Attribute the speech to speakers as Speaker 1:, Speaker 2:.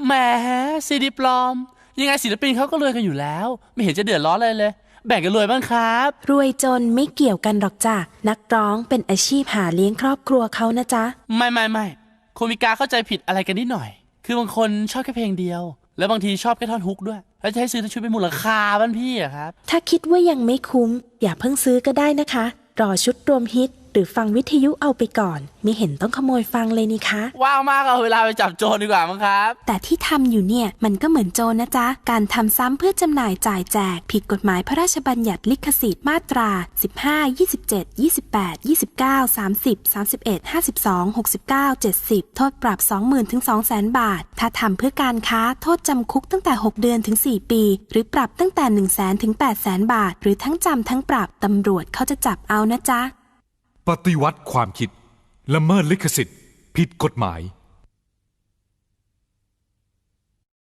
Speaker 1: แหมซีดีปลอมยังไงศิลปินเขาก็รวยกันอยู่แล้วไม่เห็นจะเดือดร้อนเลยแบ่งกันรวยบ้างครับ
Speaker 2: รวยจนไม่เกี่ยวกันหรอกจ้ะนักร้องเป็นอาชีพหาเลี้ยงครอบครัวเขานะจ๊ะ
Speaker 1: ไม่คุณมีการเข้าใจผิดอะไรกันนิดหน่อยคือบางคนชอบแค่เพลงเดียวแล้วบางทีชอบแค่ท่อนฮุกด้วยแล้วจะให้ซื้อทั้งชุดเป็นมูลค่าบ้านพี่อะครับ
Speaker 2: ถ้าคิดว่ายังไม่คุ้มอย่าเพิ่งซื้อก็ได้นะคะรอชุดรวมฮิตหรือฟังวิทยุเอาไปก่อนไม่เห็นต้องขโมยฟังเลยนี่คะ
Speaker 1: ว้าวมากเอาเวลาไปจับโจรดีกว่ามั้งครับ
Speaker 2: แต่ที่ทำอยู่เนี่ยมันก็เหมือนโจรนะจ๊ะการทำซ้ำเพื่อจำหน่ายจ่ายแจกผิดกฎหมายพระราชบัญญัติลิขสิทธิ์มาตรา15 27 28 29 30 31 52 69 70โทษปรับ 20,000 ถึง 200,000 บาทถ้าทำเพื่อการค้าโทษจำคุกตั้งแต่6 เดือนถึง 4 ปีหรือปรับตั้งแต่ 100,000 ถึง 800,000 บาทหรือทั้งจำทั้งปรับตำรวจเขาจะจับเอานะจ๊ะ
Speaker 3: ปฏิวัติความคิดละเมิดลิขสิทธิ์ผิดกฎหมาย